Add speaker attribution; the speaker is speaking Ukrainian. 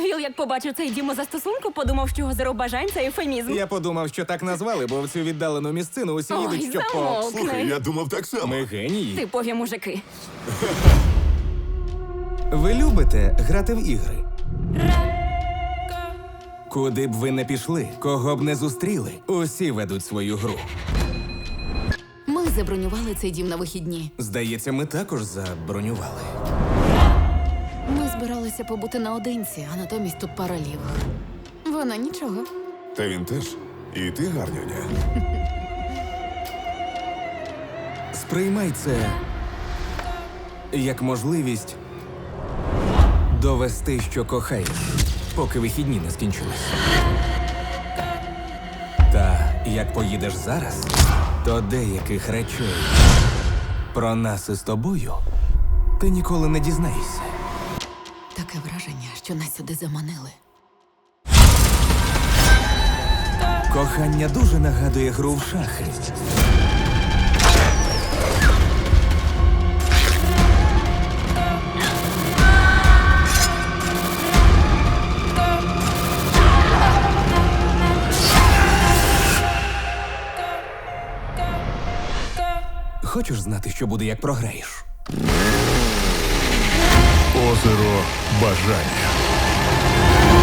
Speaker 1: Віл, як побачив цей дім застосунку, подумав, що озеро бажань – це ефемізм.
Speaker 2: Я подумав, що так назвали, бо в цю віддалену місцину усі
Speaker 1: Ой,
Speaker 2: їдуть, щоб по...
Speaker 1: замовкни.
Speaker 3: Слухай, я думав так само.
Speaker 2: Ми генії.
Speaker 1: Типові мужики.
Speaker 2: Ви любите грати в ігри? Куди б ви не пішли, кого б не зустріли, усі ведуть свою гру.
Speaker 4: Ми забронювали цей дім на вихідні.
Speaker 2: Здається, ми також забронювали.
Speaker 4: Ми збиралися побути наодинці, а натомість тут пара лівих. Вона нічого.
Speaker 3: Та він теж. І ти гарнюня.
Speaker 2: Сприймай це як можливість довести, що кохаєш, поки вихідні не скінчились. Та як поїдеш зараз, то деяких речей про нас із тобою ти ніколи не дізнаєшся.
Speaker 4: Таке враження, що нас сюди заманили.
Speaker 2: Кохання дуже нагадує гру в шахи. Хочеш знати, що буде, як програєш?
Speaker 5: Озеро бажання.